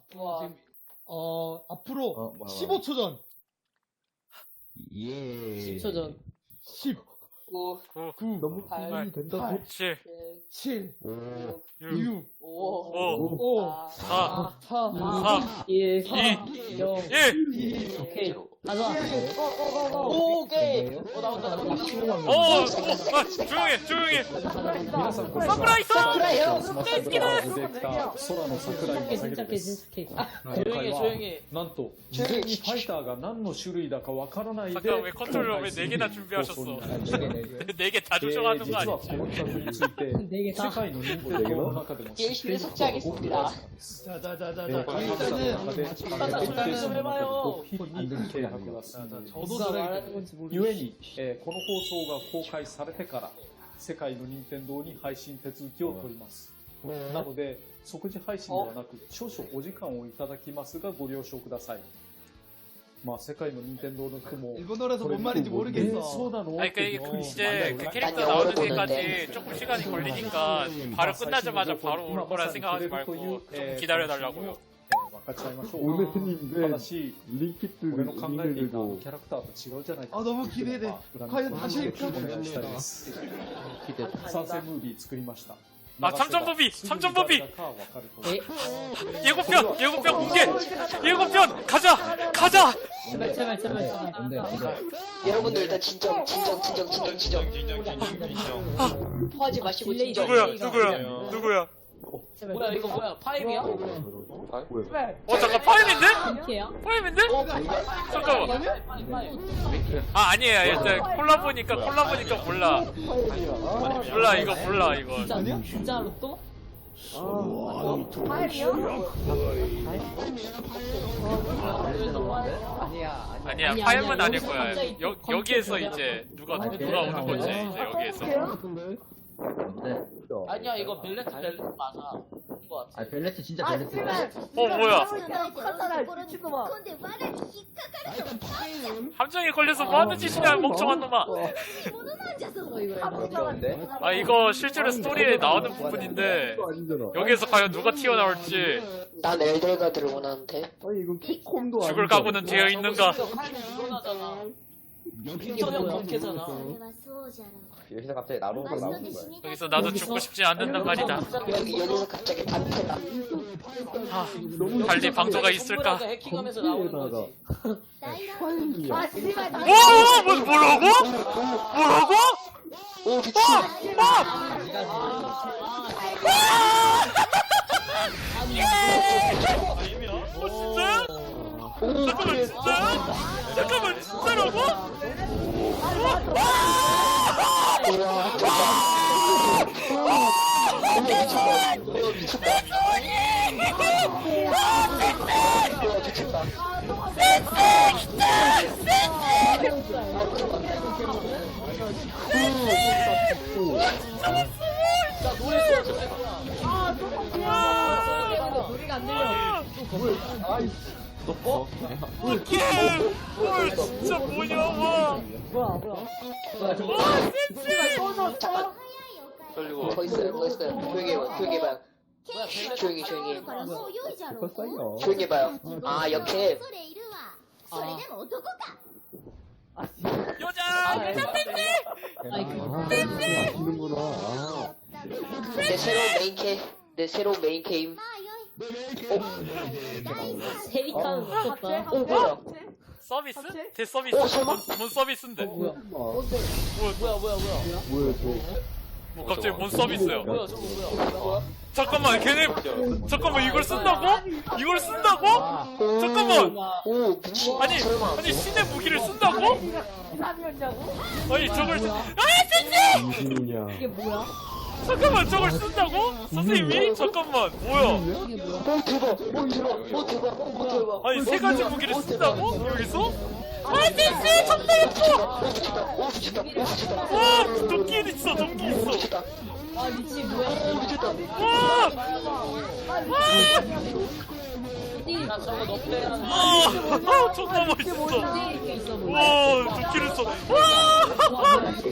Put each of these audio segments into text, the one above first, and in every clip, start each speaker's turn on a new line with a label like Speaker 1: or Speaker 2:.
Speaker 1: 와.
Speaker 2: 앞으로 15초 전.
Speaker 3: 예.
Speaker 1: 10초 전.
Speaker 2: 10,
Speaker 1: 9,
Speaker 2: 9,
Speaker 3: 너무
Speaker 1: 팔,
Speaker 3: 빨리 된다.
Speaker 4: 7,
Speaker 2: 7,
Speaker 3: 5,
Speaker 2: 6,
Speaker 1: 5,
Speaker 2: 5,
Speaker 4: 4,
Speaker 2: 4,
Speaker 4: 3,
Speaker 1: 1,
Speaker 4: 2,
Speaker 1: 0.
Speaker 4: 1.
Speaker 1: 오케이. 가자.
Speaker 2: 오케이.
Speaker 1: 나온다.
Speaker 4: 조용히.
Speaker 5: 皆さんこんにちは。
Speaker 4: 桜井さん
Speaker 5: スマッシュブラザーズディレクター空の桜井正宏です。
Speaker 1: 조용히.
Speaker 5: なんと事前にファイターが何の種類だかわからないで
Speaker 4: 잠깐 왜 컨트롤러 왜 4개나 준비하셨어? 4개 다 조정하는 거
Speaker 5: 実は
Speaker 4: 아니지?
Speaker 5: この企画について世界の任天堂の中でも知っている人が多くいらっしゃいます。
Speaker 2: 자,
Speaker 5: 開発者の
Speaker 2: 일단은
Speaker 5: 中でアプリケーションの中で極秘に契約が進んでいます。
Speaker 2: 저도
Speaker 1: 누가
Speaker 2: 들어야
Speaker 1: 말하는 건지 모르겠어.
Speaker 5: ゆえに、この放送が公開されてから世界の任天堂に配信手続きを取ります。なので即時配信ではなく少々お時間をいただきますがご了承ください。まあ世界の任天堂の人も
Speaker 2: 일본어라서 뭔 말인지 모르겠어.
Speaker 5: そうなの
Speaker 4: 아니 그 이제 그 캐릭터 나오는 데까지 조금 시간이 걸리니까 바로 끝나자마자 바로 올 거라 생각하지 말고 좀 기다려달라고요.
Speaker 5: 分かっちゃいましょう。
Speaker 3: 오늘님
Speaker 5: ただし
Speaker 3: 링키트
Speaker 5: 俺の考えていた
Speaker 3: 링크들도
Speaker 5: キャラクターと違うじゃないか
Speaker 2: 아, 너무 기대돼. 과연 다시 할까?
Speaker 5: お願いしたいです。参戦ムービー作りました。
Speaker 4: 아, 참전법이! 참전법이!
Speaker 5: わかると
Speaker 1: 에?
Speaker 4: 예고편 공개! 예고편! 가자!
Speaker 1: 제발.
Speaker 6: 여러분들 일단 진정. 토하지 마시고 진정.
Speaker 4: 누구야?
Speaker 1: 뭐야, 이거 뭐야? 파임이야?
Speaker 4: 잠깐 파임인데?
Speaker 1: 핑키야?
Speaker 4: 파임인데? 잠깐만. 아, 아니에요. 일단 콜라보니까 몰라 이거.
Speaker 1: 진짜로 또?
Speaker 4: 아니야, 파임은 아닐 거야. 여기에서 이제 누가 오는 거지, 이제 여기에서.
Speaker 1: 아니야, 이거 벨레트 맞아. 이거 같아.
Speaker 3: 아 벨레트 진짜 벨레트.
Speaker 4: 뭐야. 함정에 걸려서 뭐하는 짓이냐, 멍청한 놈아. 아, 이거 실제로 스토리에 나오는 부분인데 여기에서 과연 누가 튀어나올지.
Speaker 6: 난 엘델가드를 원하는데.
Speaker 3: 아니 이건 캡콤도
Speaker 4: 죽을 각오는 되어 있는가.
Speaker 1: 저녁 그렇게잖아.
Speaker 3: 여기서 갑자기 나로가 나오는 거야.
Speaker 4: 여기서 나도 죽고 싶지 않는단 말이다.
Speaker 6: 여기서 갑자기 반패다.
Speaker 4: 달리 방도가 있을까?
Speaker 1: 해킹하면서 나오는 거지.
Speaker 3: 파일이야.
Speaker 4: 뭐라고?
Speaker 6: 오 미친.
Speaker 4: 진짜야? 잠깐만 진짜라고?
Speaker 1: 노래가 안 들려.
Speaker 4: 헐 진짜 뭐냐 와.
Speaker 1: 뭐야.
Speaker 6: 더 있어요. 조용히 해봐요. 조용히 해.
Speaker 3: 컸어요.
Speaker 6: 조용히 해봐요. 아 역해.
Speaker 4: 여자
Speaker 3: 하시는구나.
Speaker 6: 내 새로운 메인 게임.
Speaker 1: 세리칸 미쳤다.
Speaker 6: 뭐야?
Speaker 4: 서비스? 대서비스? 뭔 서비스인데?
Speaker 1: 뭐야?
Speaker 4: 뭐야
Speaker 3: 뭐야
Speaker 4: 뭐 갑자기 뭔 서비스야?
Speaker 1: 뭐야 저거 뭐야?
Speaker 4: 잠깐만 잠깐만 이걸 쓴다고? 잠깐만
Speaker 6: 오 미친.
Speaker 4: 아니 신의 무기를 쓴다고? 아니 저걸
Speaker 3: 무슨이냐?
Speaker 1: 이게 뭐야?
Speaker 4: 잠깐만 저걸 쓴다고? 선생님이? 잠깐만 뭐야
Speaker 1: 이게 뭐야?
Speaker 6: 오 대박.
Speaker 4: 아니 세 가지 무기를 쓴다고? 여기서? 아저씨 정말 예뻐! 와 도끼 있어
Speaker 1: 아 미친 뭐야?
Speaker 4: 와!
Speaker 1: 나 저거 너프레
Speaker 4: 존나 멋있어
Speaker 1: 이렇게 있어 보여.
Speaker 4: 와 도끼를 써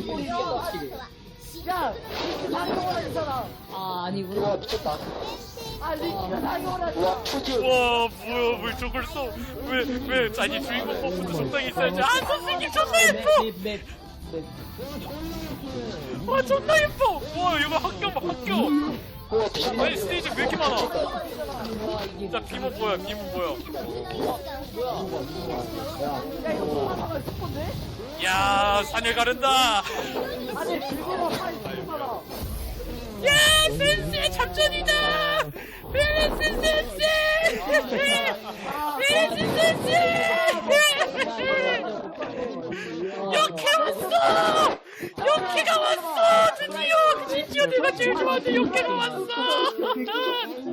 Speaker 1: 아 아니구나.
Speaker 6: 와 미쳤다. 와 푸드
Speaker 4: 와 뭐야 왜 저걸 써? 왜 아니 주인공 버프도 적당히 있어야지. 아 선생님 존나 예뻐. 와 존나 예뻐. 와 이거 학교 봐 학교.
Speaker 6: 와 비밀
Speaker 4: 아니 스테이지 왜 이렇게 많아? 자 비모 뭐야 비모 뭐야? 야 산을 가른다. 야 센세 작전이다. 센세 역해 왔어. 역해가 왔어. 드디어 진짜 내가 제일 좋아하는 역해가 왔어.